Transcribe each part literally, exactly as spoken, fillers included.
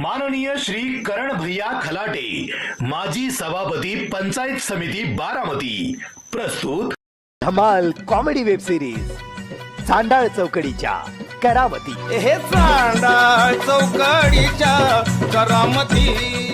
माननीय श्री करण भैया खलाटे, माजी सभापती पंचायत समिती बारामती, प्रस्तुत धमाल कॉमेडी वेब सिरीज चांडाळ चौकडीच्या करामती. हे चांडाळ चौकडीच्या करामती.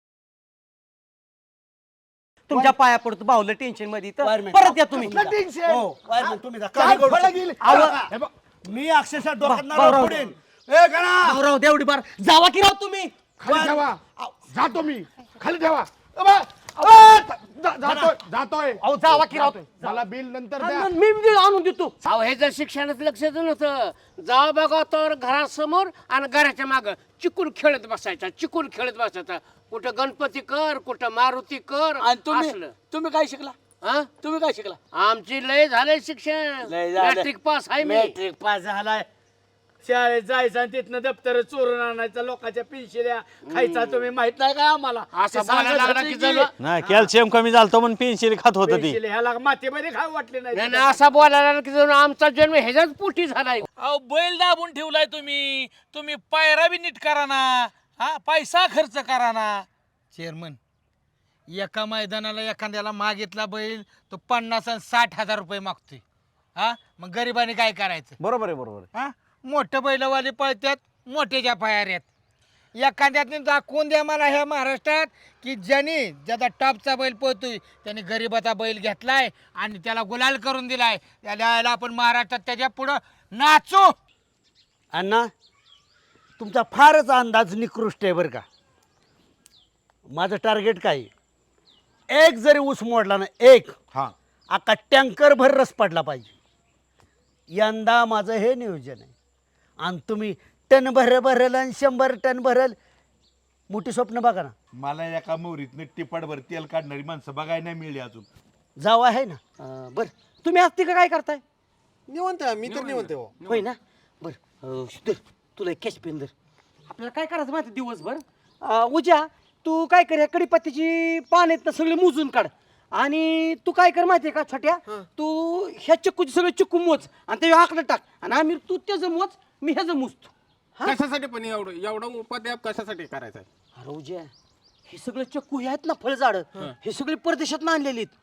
तुमच्या पाया पडतो बाहुलं टेन्शन मध्ये तर परत या तुम्ही. हो वायरमॅन तुम्ही जा. काय करू? आव- हे बघ, मी अक्षरशः डोक्यात बा- नारळ बावराव. फोडेन. ए गणा भाऊराव देवडी बार जावा की राव तुम्ही. खाली ठेवा. जातो मी, खाली ठेवा. अबा, अ, जा- जातोय जातोय अहो जावा की राव. मला बिल नंतर द्या. मी बिल आणून देतो. अहो हे जर शिक्षणात लक्ष नव्हतं, जावा बघा तर घरासमोर आणि घराच्या माग चिकून खेळत बसायचा चिकून खेळत बसायचा. कुठं गणपती कर, कुठं मारुती कर. आणि तुम्ही असलं. तुम्ही काय शिकला हा? तुम्ही काय शिकला आमची लय झालंय शिक्षण. लय झालंय. मॅट्रिक पास आहे मी. मॅट्रिक पास झालाय. शाळेत जायचं आणि तिथनं दप्तर चोरून आणायचं, लोकांच्या पेन्शिल्या खायचा. तुम्ही माहित नाही का आम्हाला? असं ते बोलायला सांगत लागला होते की की जणू- नाही कॅल्शियम कमी झालं म्हणून पेन्सिल खात होत ती. पेन्शिल ह्याला मातीमध्ये खाऊ वाटले नाही नाही. नाही, असा बोलायला लागला की जणू आमचा जन्म ह्याच्याच पोटी झालाय. अहो बैल दाबून ठेवलाय तुम्ही तुम्ही पायरा बी नीट करा ना. हा पैसा खर्च करा ना. चेअरमन, एका मैदानाला एखाद्याला मागितला बैल तो पन्नास आणि साठ हजार रुपये मागतोय. हा मग गरिबाने काय करायचं? बरोबर आहे बरोबर आहे. हा मोठं बैलवाले पळतात मोठ्याच्या पायाऱ्यात. एखाद्याने दाखवून द्या मला ह्या महाराष्ट्रात की ज्याने ज्याचा टॉपचा बैल पळतोय त्याने गरिबाचा बैल घेतलाय आणि त्याला गुलाल करून दिलाय. त्याला आपण महाराष्ट्रात त्याच्या पुढं नाचू. अण्णा तुमचा फारच अंदाज निकृष्ट आहे बरं का. माझं टार्गेट काय आहे? एक जरी ऊस मोडला ना, एक हा अख्खा टँकर भर रस पडला पाहिजे. यंदा माझं हे नियोजन आहे. आणि तुम्ही टन भर भरल आणि शंभर टन भरल. मोठी स्वप्न बघा ना. मला एका मोरीतनं टिपाटभर तेल काढणारी माणसं बघायला नाही मिळली अजून. जाव आहे ना. अं, बर तुम्ही आज तिकडे काय करताय? निवंत मी तर निवंत हो. होय ना. बर अं, धर, तुला कॅश पेन धर. आपल्याला काय करायचं माहिती दिवसभर. अं, उद्या तू काय कर, कडीपत्त्याची पान आहेत ना सगळे मोजून काढ. आणि तू काय कर माहितीये का छोट्या, तू ह्या चिक्कूचे सगळे चिक्कू मोज आणि ते आकडे टाक. आणि आम्ही तू त्याचं मोज, मी ह्याचं मोजतो. कशासाठी पण एवढं एवढं उपाध्याय कशासाठी करायचं? अरे उद्या हे सगळे चिक्कू हे आहेत ना फळझाड, हे सगळे परदेशात आणलेली आहेत.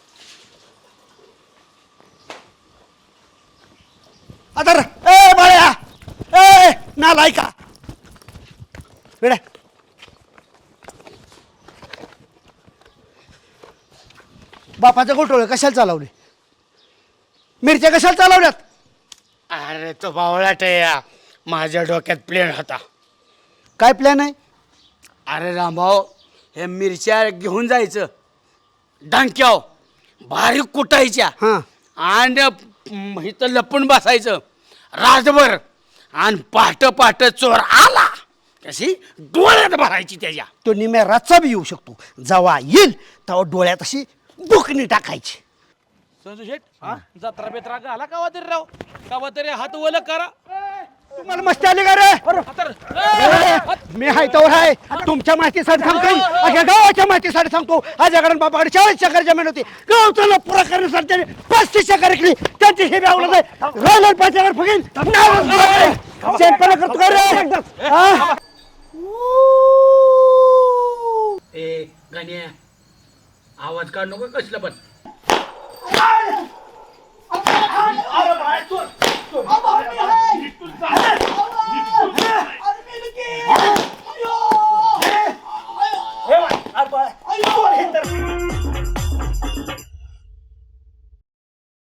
आता ए बाळ्या, ए नालायका बेटा, बापाचं गोठोळ कशाला चालवले? मिरच्या कशाला चालवल्यात? अरे तो बावळाट आहे या. माझ्या डोक्यात प्लेन होता. काय प्लॅन आहे? अरे रामभाऊ, हे मिरच्या घेऊन जायचं डांक्याव बारीक कुटायच्या हां आणि म, इथं लपून बसायचं रातभर. आणि पहाट पहाट चोर आला कशी डोळ्यात भरायची त्याच्या. तो निम्या रातचा बी येऊ शकतो. जेव्हा येईल तेव्हा डोळ्यात अशी बुकणी टाकायची. संजू शेठ जत्रा बेत्रा घाला कावा तरी राव. कावा तरी हात वल करा. तुम्हाला मस्ती आली का रे? ए, मी हाय तोवर आहे. तुमच्या माहितीसाठी सांगतो, अख्या गावाच्या माहितीसाठी सांगतो. आजकडे बापाकडे चाळीस एकर जमीन होती. गावचा पुरा करण्यासाठी त्याने पस्तीस एकर विकली. त्यांची हे आवडत आहे. राहिलं पाच एकर फुगीन. चेंपणा करतो का रे? हा? ए गाण्या आवाज काढ नको कसलं पण.